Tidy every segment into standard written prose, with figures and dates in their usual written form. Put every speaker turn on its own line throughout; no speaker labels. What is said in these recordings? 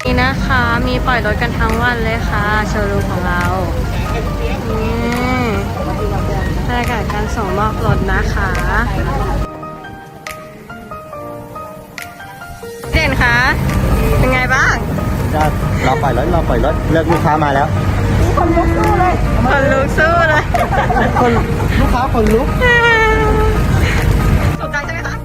นี่นะคะมีปล่อยรถกันทั้งวันเลยค่ะโชว์รูมของเรานี่บรรยากาศการส่งมอบรถนะคะเด่นคะเป็นไงบ้าง
ก็เราปล่อยรถเลิกลูกค้ามาแล้ว
คนลุกสู้เลย
คนลูกค้าคนลุก
สนใจใช่ไหมคะ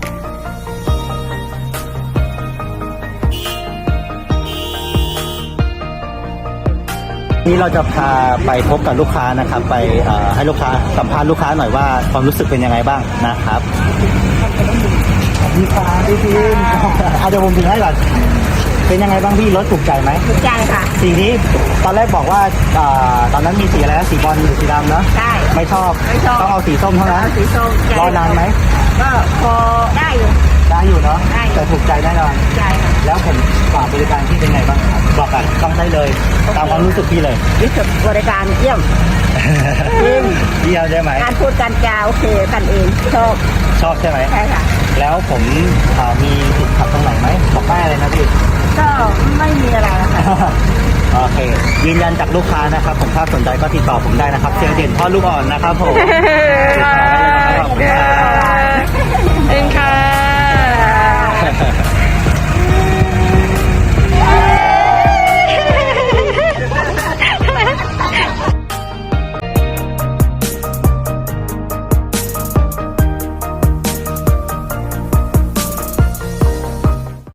นี่เราจะพาไปพบกับลูกค้านะครับไปให้ลูกค้าสัมภาษณ์ลูกค้าหน่อยว่าความรู้สึกเป็นยังไงบ้างนะครับลูกค้าพี่ทีมเดี๋ยวผมถึงให้ก่อนเป็นยังไงบ้างพี่รถถูกใจไหม
ถูกใจค่ะ
สีนี้ตอนแรกบอกว่าตอนนั้นมีสีอะไรนะสีบอลหรือสีดำเนาะ
ใช่
ไม่ชอบต้องเอาสีส้มเท่านั้น
สีส้ม
รอนานไหม
ก็พอได้อยู่
เนาะแต่ถูกใจแน่นอน
ใช่ค่ะ
แล้วผมฝากบริการที่เป็นไงบ้างครับบอกกันต้องได้เลยตามความรู้สึกพี่เลย
รู้สึกบริการเยี่ยม
เยี่ยมใช่ไหม
การพูดการจาโอเคกันเอง
ชอบใช่ไหม
ใช่ค่ะ
แล้วผมมีติดขัดตรงไหนไหมบอกได้เลยนะพี่
ก็ไม่มีอะไรค่ะ
โอเคยืนยันจากลูกค้านะครับผมถ้าสนใจก็ติดต่อผมได้นะครับเชียงเด่นพ่อลูกอ่อนนะครับผมขอบคุณครับ